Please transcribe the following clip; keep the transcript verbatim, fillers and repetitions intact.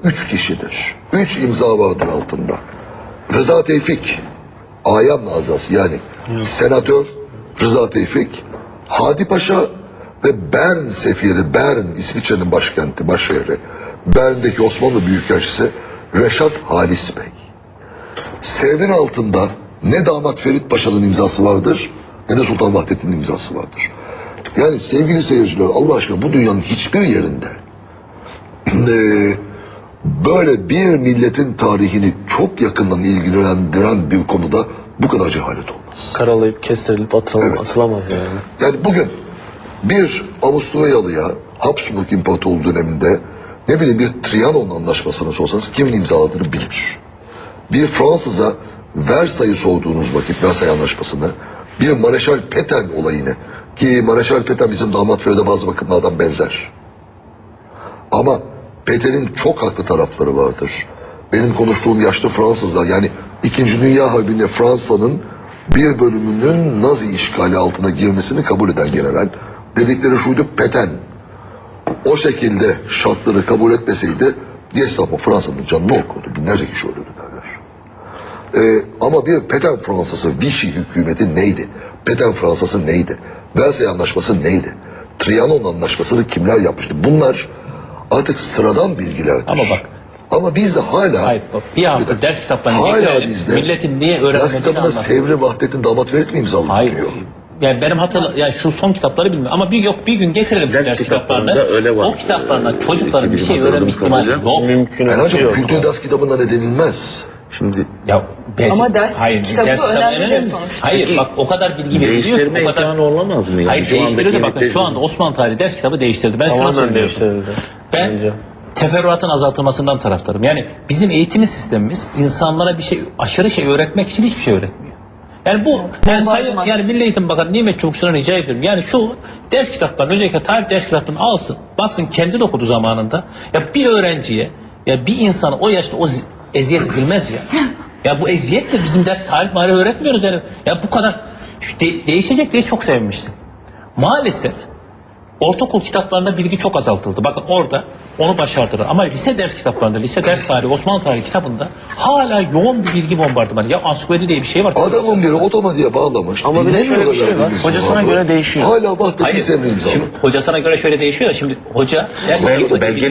üç kişidir. Üç imza vardır altında. Rıza Tevfik, Ayan Nazası yani senatör Rıza Tevfik, Hadi Paşa ve Bern sefiri, Bern İsviçre'nin başkenti, başşehri. Bern'deki Osmanlı Büyükelçisi Reşat Halis Bey. Sevin altında ne damat Ferit Paşa'nın imzası vardır ne de Sultan Vahdettin'in imzası vardır. Yani sevgili seyirciler, Allah aşkına bu dünyanın hiçbir yerinde böyle bir milletin tarihini çok yakından ilgilendiren bir konuda bu kadar cehalet olmaz. Karalayıp kestirilip atılamaz, Evet. atılamaz yani. Yani bugün bir Avusturyalıya Habsburg İmparatorluğu döneminde ne bileyim bir Trianon anlaşmasını sorsanız kimin imzaladığını bilir. Bir Fransız'a Versay'ı sorduğunuz vakit, Versay Anlaşması'nı, bir Mareşal Petain olayını, ki Mareşal Petain bizim damat Feride bazı bakımlardan benzer. Ama Petain'in çok haklı tarafları vardır. Benim konuştuğum yaşlı Fransızlar, yani İkinci Dünya Harbi'nde Fransa'nın bir bölümünün Nazi işgali altına girmesini kabul eden general, dedikleri şuydu: Petain o şekilde şartları kabul etmeseydi Gestapo Fransa'nın canını okurdu. Binlerce kişi ölürdü derler. Ee, ama bir Petain Fransası, Vichy hükümeti neydi? Petain Fransası neydi? Versay Anlaşması neydi? Trianon Anlaşması'nı kimler yapmıştı? Bunlar artık sıradan bilgilerdir. Ama bak. Ama bizde hala... Hayır bak, bir hafta ders kitaplarını hala getirelim. bizde Milletin niye ders öğrenmediğini kitabında anlatın. Sevri Vahdettin damat Ferit mi imzaladı? Hayır. Diyor. Yani benim hatırla, yani şu son kitapları bilmiyorum ama bir yok bir gün getirelim şu Ders ders kitaplarında kitaplarını. öyle var. O kitaplarına çocukların bir Bizim şey öğrenme hatırladığımız ihtimali kadarıyla yok. Mümkün Yani hocam yok. kültür ders kitabında ne denilmez? Şimdi Ya belki, Ama ders kitabı önemlidir sonuçta. Hayır bak o kadar bilgi veriliyor. değiştirme O kadar... imkanı olamaz mı? Yani Hayır şu değiştirildi andaki bakın şu anda Osmanlı tarihi ders kitabı değiştirdi. Ben şuna Tamamen söylüyorum. değiştirildi. Ben Bence. teferruatın azaltılmasından taraftarım. Yani bizim eğitim sistemimiz insanlara bir şey, aşırı şey öğretmek için hiçbir şey öğretmiyor. Yani bu, yani, sayın, yani Milli Eğitim Bakanı Nimet Çavuşçu'na rica ediyorum. Yani şu ders kitaplarını, özellikle tarih ders kitaplarını alsın, baksın kendi de okudu zamanında. Ya bir öğrenciye, ya bir insana o yaşta o eziyet edilmez ya. Ya bu eziyetle bizim ders tarih marih öğretmiyoruz yani. Ya bu kadar şu de, değişecek diye çok sevinmiştim. Maalesef ortaokul kitaplarında bilgi çok azaltıldı. Bakın orada onu başardılar. Ama lise ders kitaplarında, lise ders tarihi, Osmanlı tarihi kitabında hala yoğun bir bilgi bombardımanı. Ya ansiklopedi diye bir şey var. Adamın biri otomatiğe bağlamış. Ama bir de şöyle bir şey var. Dinlemiyorlar Hocasına verdiğimiz göre cevabı. değişiyor. Hala Vahdettin Hayır, Sevri imzaladı. şimdi hocasına göre şöyle değişiyor da şimdi hoca ders Belge- kitaplarında belge-